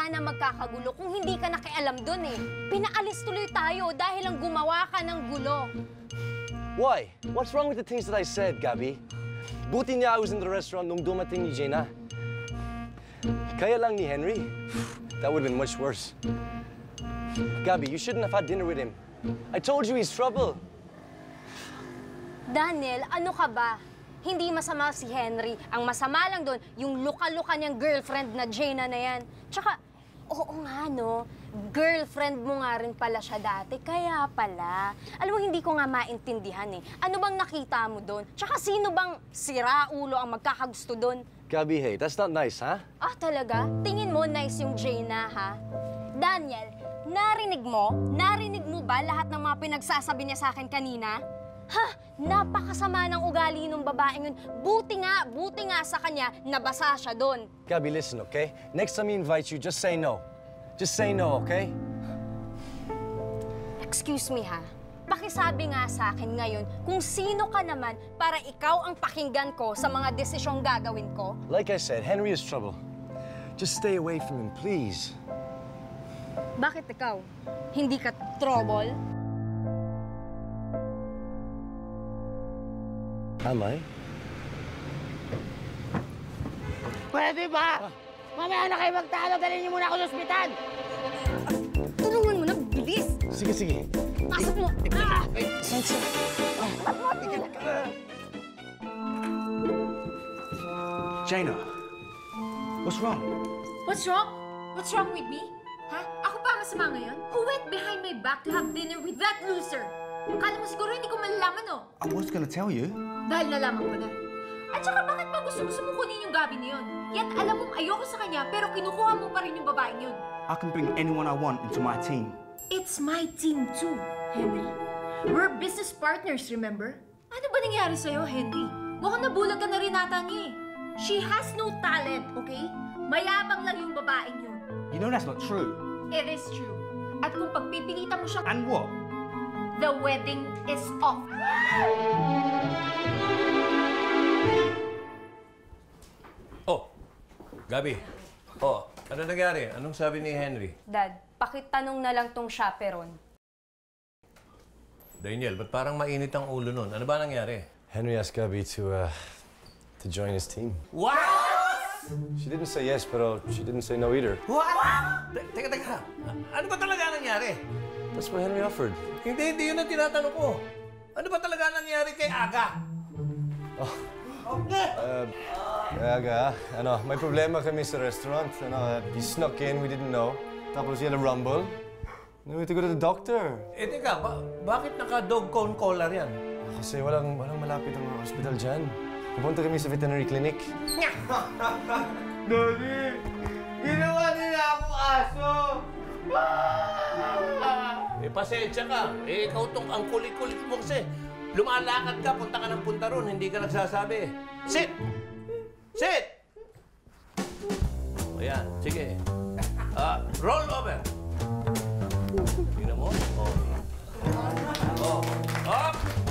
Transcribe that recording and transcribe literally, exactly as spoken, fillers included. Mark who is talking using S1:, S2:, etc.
S1: sana magkakagulo kung hindi ka nakialam dun eh. Pinaalis tuloy tayo dahil lang gumawa ka ng gulo.
S2: Why? What's wrong with the things that I said, Gabby? Buti niya I was in the restaurant nung dumating ni Jaina. Kaya lang ni Henry. That would have been much worse. Gabby, you shouldn't have had dinner with him. I told you he's trouble.
S1: Daniel, ano ka ba? Hindi masama si Henry. Ang masama lang doon, yung luka-luka niyang girlfriend na Jaina na yan. Tsaka, oo nga no, girlfriend mo nga rin pala siya dati. Kaya pala. Alam mo, hindi ko nga maintindihan eh. Ano bang nakita mo doon? Tsaka sino bang sira-ulo ang magkakagusto doon?
S2: Gabby, hey, that's not nice, ha?
S1: Ah, talaga? Tingin mo nice yung Jaina, ha? Daniel, narinig mo? Narinig mo ba lahat ng mga pinagsasabi niya sa akin kanina? Ha? Napakasama ng ugali ng babaeng yun. Buti nga, buti nga sa kanya, nabasa siya doon.
S2: Gabby, listen, okay? Next time he invites you, just say no. Just say no, okay?
S1: Excuse me, ha? Pakisabi nga sa akin ngayon kung sino ka naman para ikaw ang pakinggan ko sa mga desisyong gagawin ko.
S2: Like I said, Henry is trouble. Just stay away from him, please.
S1: Bakit ikaw? Hindi ka trouble?
S2: Am I?
S3: Pwede ba? Mamaya na kayo magtalo, dalhin niyo muna ako sa ospital!
S1: Tulungan mo na, bilis!
S2: Sige, sige.
S1: Pasok mo! Ah!
S2: Sansa!
S4: Jaina, what's wrong?
S5: What's wrong? What's wrong with me? Ha? Ako pa masama ngayon? Who went behind my back to have dinner with that loser? Akala mo siguro hindi ko malalaman, no?
S4: I was gonna tell you.
S5: Dahil nalaman ko na. At saka bakit ba gusto mo sumukunin yung gabi na yun? Yat alam mong ayoko sa kanya, pero kinukuha mo pa rin yung babaeng yun.
S4: I can bring anyone I want into my team.
S5: It's my team too, Henry. We're business partners, remember? Ano ba nangyari sa'yo, Henry? Mukhang nabulag ka na rin ata niya eh. She has no talent, okay? Mayabang lang yung babaeng yun.
S4: You know that's not true.
S5: It is true. At kung pagpipilitan mo siyang...
S4: And what?
S5: The wedding is off.
S6: Oh, Gabi. Oh, ano nangyari? Anong sabi ni Henry?
S1: Dad, pakitanong na lang tong chaperon.
S6: Daniel, ba't parang mainit ang ulo nun? Ano ba nangyari?
S2: Henry asked Gabby to, uh, to join his team.
S6: What?
S2: She didn't say yes, pero she didn't say no either.
S6: What? Te teka, teka. Ano ba talaga nangyari?
S2: That's what Henry offered.
S6: Hindi, hindi yun ang tinatanong ko. Ano ba talaga nangyari kay Aga?
S2: Oh. Uh, Aga, ano, may problema kami sa restaurant. Ano, he snuck in, we didn't know. Tapos he had a rumble. We had to go to the doctor.
S6: Eh, teka, ba bakit naka-dog cone collar yan?
S2: Kasi walang, walang malapit ang hospital dyan. Pupunta kami sa veterinary clinic.
S3: Daddy! Ginawa nila akong aso!
S6: Eh, pasensya ka. Eh, ikaw tong ang kulit-kulit mo kasi. Lumalakad ka, punta ka ng punta ron, hindi ka nagsasabi. Sit! Sit! O yan, sige. Uh, roll over. Tingnan mo. Oh. Oh. Up!